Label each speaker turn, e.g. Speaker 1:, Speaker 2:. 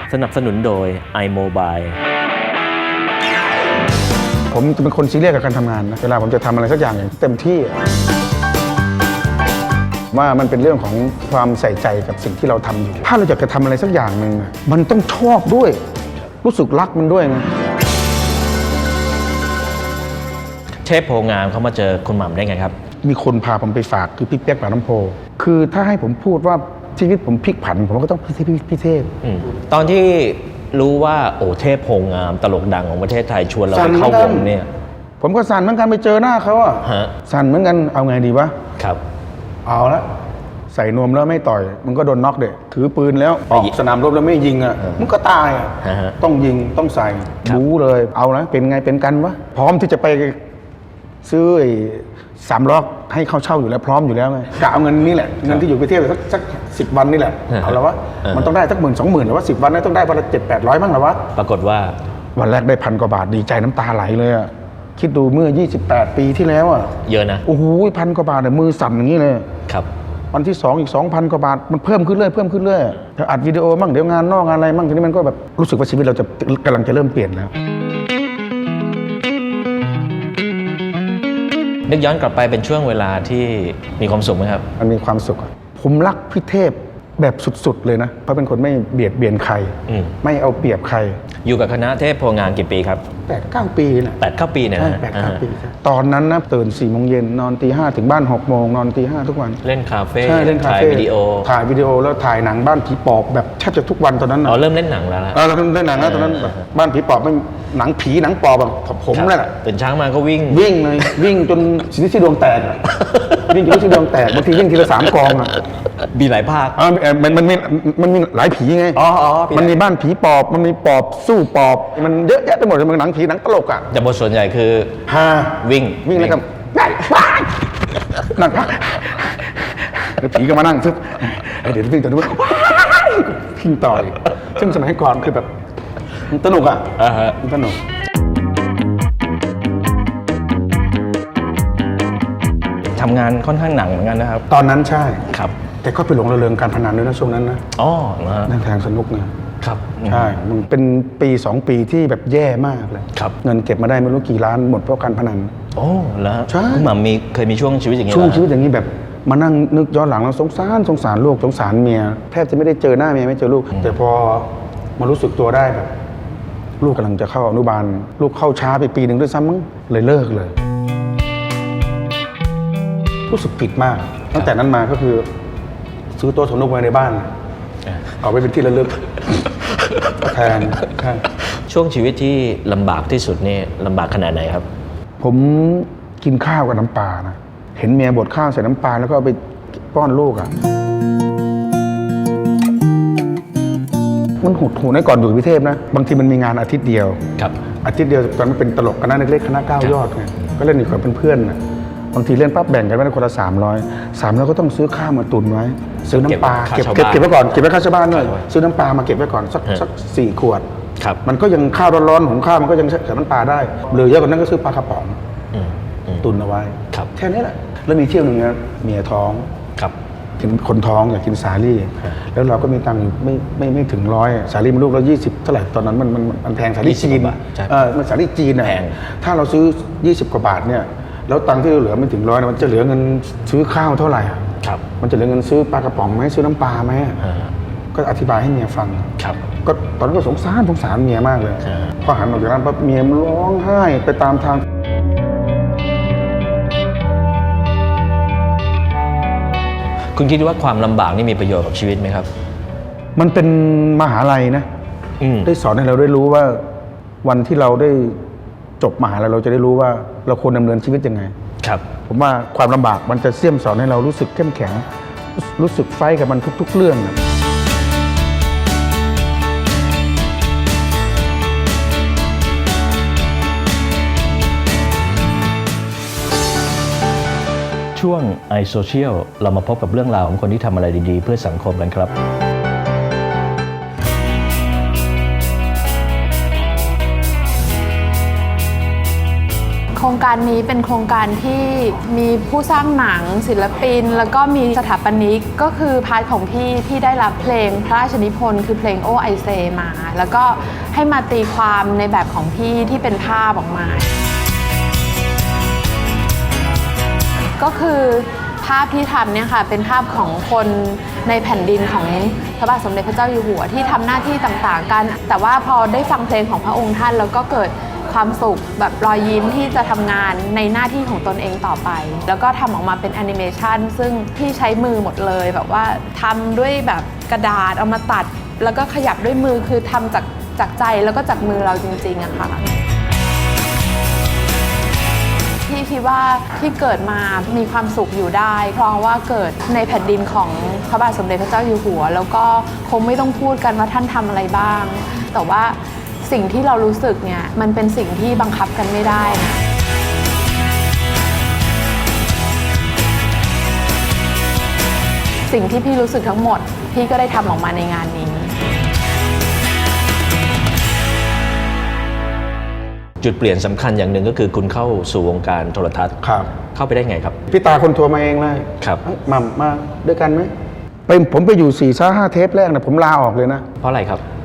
Speaker 1: สนับสนุนโดย iMobile
Speaker 2: ผมจะเป็นคนซีเรียสกับการทำงานนะเวลาผมจะทำอะไรสักอย่างเต็มที่ว่ามันเป็นเรื่องของความใส่ใจกับสิ่งที่เราทำอยู่ถ้าเราอยากจะทำอะไรสักอย่างหนึ่งมันต้องชอบด้วยรู้สึกรักมันด้วยนะ
Speaker 1: เชฟโพงามเขามาเจอคุณหม่ำได้ไงครับ
Speaker 2: มีคนพาผมไปฝากคือพี่เปี๊ยกปากน้ำโพคือถ้าให้ผมพูดว่าชีวิตผมพลิกผันผมก็ต้องพี่เทพ
Speaker 1: ตอนที่รู้ว่าโอ้เทพโพงามตลกดังของประเทศไทยชวนเราไปเข้าวงเนี่ย
Speaker 2: ผมก็สั่นเหมือนกันไปเจอหน้าเขาอะสั่นเหมือนกันเอาไงดีวะ
Speaker 1: ครับ
Speaker 2: เอาละใส่นวมแล้วไม่ต่อยมึงก็โดนน็อกเด็กถือปืนแล้วออกสนามรบแล้วไม่ยิงอ่ะมึงก็ตายอ่ะต้องยิงต้องใส่รู้เลยเอาละเป็นไงเป็นกันวะพร้อมที่จะไปซื้อ3 ล้อให้เขาเช่าอยู่แล้วพร้อมอยู่แล้วไงกะเอาเงินนี่แหละเงินที่อยู่ไปเที่ยวสัก10 วันนี่แหละเอาละวะมันต้องได้สัก10,000-20,000หรือว่า10 วันนี่ต้องได้วันละ700-800บ้างหรอวะ
Speaker 1: ปรากฏว่า
Speaker 2: วันแรกได้1,000 กว่าบาทดีใจน้ำตาไหลเลยอ่ะคิดดูเมื่อ28 ปีที่แล้วอ่ะ
Speaker 1: เยอะนะ
Speaker 2: โอ้โห1,000 กว่าบาทเนี่ยมือสั่นอย่างนี้เลย
Speaker 1: ครับ
Speaker 2: วันที่2อีก 2,000 กว่าบาทมันเพิ่มขึ้นเรื่อยเดี๋ยวอัดวิดีโอมั่งเดี๋ยวงานนอกงานอะไรมั่งทีนี้มันก็แบบรู้สึกว่าชีวิตเราจะกำลังจะเริ่มเปลี่ยนแล้ว
Speaker 1: นึกย้อนกลับไปเป็นช่วงเวลาที่มีความสุขไหมครับ
Speaker 2: มันมีความสุขผมรักพี่เทพแบบสุดๆเลยนะเพราะเป็นคนไม่เบียดเบียนใครไม่เอาเปรียบใคร
Speaker 1: อยู่กับคณะเทพโพงามกี่ปีครับ
Speaker 2: 8-9 ปีนะ
Speaker 1: 8-9 ปีเนี่ยนะ
Speaker 2: 8-9 ปีตอนนั้นนะตื่น4 โมงเย็นนอนตี 5ถึงบ้าน6 โมงนอนตี 5ทุกวัน
Speaker 1: เล่นคาเฟ่
Speaker 2: ใช่เล่นคาเฟ่
Speaker 1: ถ่ายวิดีโอ
Speaker 2: แล้วถ่ายหนังบ้านผีปอบแบบแทบจะทุกวันตอนนั้น
Speaker 1: อ๋อเริ่มเล่นหนังแล้วนะ
Speaker 2: เราเล่นหนังแล้วตอนนั้นบ้านผีปอบมันหนังผีหนังปอบแบบผมนั่นแหละ
Speaker 1: ตื่นเช้ามาก็วิ่ง
Speaker 2: เลยวิ่งจนที่ดวงแตกวิ่งจนที่ดวงแตกบางทีวิ่งทีละ3 กองอ่ะ
Speaker 1: มีหลายภาค
Speaker 2: มันมีหลายผีไงมันมีบ้านผีปอบมันมีปอบสู้ปอบมันเยอะแยะไปหมดเลยมันหนังผีหนังตลกอ่ะ
Speaker 1: แต่บทส่วนใหญ่คือวิ่ง
Speaker 2: แล้วก็นั่งพักผีก็มานั่งซึบเดี๋ยววิ่งต่อด้วยพิงต่อยซึ่งสมัยก่อนคือแบบมันสนุกอ่ะมันสนุก
Speaker 1: ทำงานค่อนข้างหนักเหมือนกันนะครับ
Speaker 2: ตอนนั้นใช่
Speaker 1: ครับ
Speaker 2: แต่ก็ไปหลงระเริงการพนันด้วยนะช่วงนั้นนะนั่งแทงสนุกเนี่ย
Speaker 1: ครับ
Speaker 2: ใช่มันเป็นปี2 ปีที่แบบแย่มากเลยเงินเก็บมาได้ไม่รู้กี่ล้านหมดเพราะการพนัน
Speaker 1: โอ้แล้ว
Speaker 2: ใช่
Speaker 1: คุณหม่ำเคยมีช่วงชีวิตอย่างนี้
Speaker 2: ช่วงชีวิตอย่างนี้แบบมานั่งนึกย้อนหลังแล้วสงสารลูกสงสารเมียแทบจะไม่ได้เจอหน้าเมียไม่เจอลูกแต่พอมารู้สึกตัวได้แบบลูกกำลังจะเข้าอนุบาลลูกเข้าช้าไปปี1ด้วยซ้ำมั้งเลยเลิกเลยรู้สึกผิดมากตั้งแต่นั้นมาก็คือซื้อโต๊ะสนุกไว้ในบ้านเอาไว้เป็นที่ระลึกแทน
Speaker 1: ช่วงชีวิตที่ลำบากที่สุดนี่ลำบากขนาดไหนครับ
Speaker 2: ผมกินข้าวกับน้ำปลานะเห็นเมียบดข้าวใส่น้ำปลาแล้วก็เอาไปป้อนลูกอ่ะมันหดหูในก่อนอยู่พิเทพนะบางทีมันมีงานอาทิตย์เดียวอาทิตย์เดียวตอนมันเป็นตลกคณะเล็กๆคณะ9 ยอดไงก็เล่นอยู่กับเพื่อนๆบางทีเล่นปั๊บแบ่งกันไว้คนละ300ก็ต้องซื้อข้าวมาตุนไว้ซื้อน้ำปลาเก็บไว้ก่อนเก็บไว้ค่าชาวบ้านด้วยซื้อน้ำปลามาเก็บไว้ก่อนสัก4 ขวดมันก็ยังข้าวร้อนๆหุงข้าวมันก็ยังใส่น้ำปลาได้หรือเยอะกว่านั้นก็ซื้อปลากระป๋องตุนเอาไว้แค่นี้แหละแล้วมีเที่ยวหนึ่งนะเมียท้องกินคนท้องอยากกินสาลี่แล้วเราก็มีตังค์ไม่ถึง100สาลี่มันลูกละ20เท่าไหร่ตอนนั้นมันแพงสาลี่จีนมันสาลี่จีนแพงถ้าเราซื้อ20 กว่าบาทเนี่ยแล้วตังค์ที่เหลือไม่ถึง100มันจะเหลือเงินซื้อข้าวเท่าไหร่มันจะเหลือเงินซื้อปลากระป๋องไหมซื้อน้ำปลาไหมก็อธิบายให้เมียฟังก็ตอนนั้นก็สงสารเมียมากเลยพอหันออกจากร้านปั๊บเมียมันร้องไห้ไปตามทาง
Speaker 1: คุณคิดว่าความลำบากนี่มีประโยชน์กับชีวิตไหมครับ
Speaker 2: มันเป็นมหาลัยนะได้สอนให้เราได้รู้ว่าวันที่เราได้จบมหาลัยเราจะได้รู้ว่าเราควรดำเนินชีวิตยังไงผมว่าความลำบากมันจะเสี่ยมสอนให้เรารู้สึกเข้มแข็งรู้สึกไฟกับมันทุกๆเรื่อง
Speaker 1: ช่วง iSocial เรามาพบกับเรื่องราวของคนที่ทำอะไรดีๆเพื่อสังคมกันครับ
Speaker 3: โครงการนี้เป็นโครงการที่มีผู้สร้างหนังศิลปิน แล้วก็มีสถาปนิกก็คือพาร์ทของพี่ได้รับเพลงพระราชนิพนธ์คือเพลงโอไอเซมา แล้วก็ให้มาตีความในแบบของพี่ที่เป็นภาพออกมาก็คือภาพที่ทำเนี่ยค่ะเป็นภาพของคนในแผ่นดินของพระบาทสมเด็จพระเจ้าอยู่หัวที่ทำหน้าที่ต่างๆกันแต่ว่าพอได้ฟังเพลงของพระองค์ท่านแล้วก็เกิดความสุขแบบรอยยิ้มที่จะทำงานในหน้าที่ของตนเองต่อไปแล้วก็ทำออกมาเป็นแอนิเมชันซึ่งพี่ใช้มือหมดเลยแบบว่าทำด้วยแบบกระดาษเอามาตัดแล้วก็ขยับด้วยมือคือทำจากใจแล้วก็จากมือเราจริงๆอะค่ะพี่คิดว่าที่เกิดมามีความสุขอยู่ได้เพราะว่าเกิดในแผ่นดินของพระบาทสมเด็จพระเจ้าอยู่หัวแล้วก็คงไม่ต้องพูดกันว่าท่านทำอะไรบ้างแต่ว่าสิ่งที่เรารู้สึกเนี่ยมันเป็นสิ่งที่บังคับกันไม่ได้นะสิ่งที่พี่รู้สึกทั้งหมดพี่ก็ได้ทำออกมาในงานนี้
Speaker 1: จุดเปลี่ยนสำคัญอย่างหนึ่งก็คือคุณเข้าสู่วงการโทรทัศน์
Speaker 2: ครับ
Speaker 1: เข้าไปได้ไงครับ
Speaker 2: พี่ตาคนทัวร์มาเองเลย
Speaker 1: ครับ
Speaker 2: มาด้วยกันไหมผมไปอยู่4-5 เทปแรกนะผมลาออกเลยนะ
Speaker 1: เพราะอะไรครับ